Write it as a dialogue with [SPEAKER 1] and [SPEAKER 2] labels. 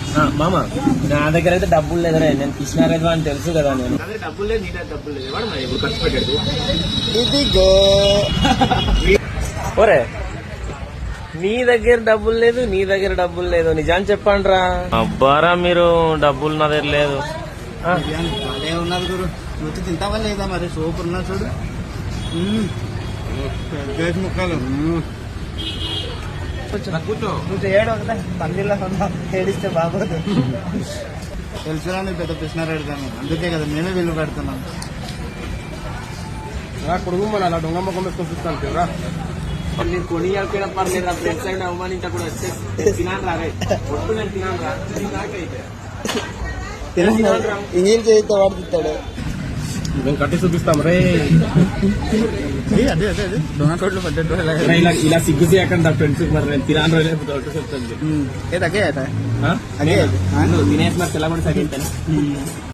[SPEAKER 1] మామ నా దగ్గర అయితే డబ్బులు లేదనే, నేను కృష్ణారెడ్డి అని తెలుసు కదా. నేను
[SPEAKER 2] డబ్బులు లేదు, నీ దగ్గర డబ్బులు లేదు. వాడు మరి ఎప్పుడు ఖర్చు పెట్టాడు.
[SPEAKER 1] ఇదిగో ఒరే, నీ దగ్గర డబ్బులు లేదు, నీ దగ్గర డబ్బులు లేదు, నిజాన్ని చెప్పండి రా. అబ్బారా మీరు డబ్బులు నా దగ్గర లేదు.
[SPEAKER 2] అదే ఉన్నది గురు, నువ్వు తింటావా లేదా మరి? సూపర్ ఉన్నా చూడు, ముక్కలు. కూర్చో, నువ్వు చేయడం కదా పందిళ్ళ ఏడిస్తే బాగోదు. తెలుసురా నువ్వు పెద్ద కృష్ణారెడ్డి దాన్ని, అందుకే కదా మేమే విలువ పెడుతున్నాం. కొడుకు మన అలా దొంగ ముఖం పెట్టుకొని చూస్తాను కదా. నేను కొని అయిపోయినా పర్లేదు, ఫ్రెండ్స్ అయినా అవమానించకుండా వచ్చే తినాను రా. ఒట్టు నేను తినాను రా, నాకైతే ఇంజన్ చేయితే వాడుతాడు. మేము కట్టి చూపిస్తాం రే. అదే అదే అదే దొంగ కోట్లు పడ్డట్టు ఇలా సిగ్గు చేయకుండా ఫ్రెండ్స్ మరి నేను తినాను రోజు చెప్తాను. అదే అదే తినేసి మరి తెల్లబడి సరే.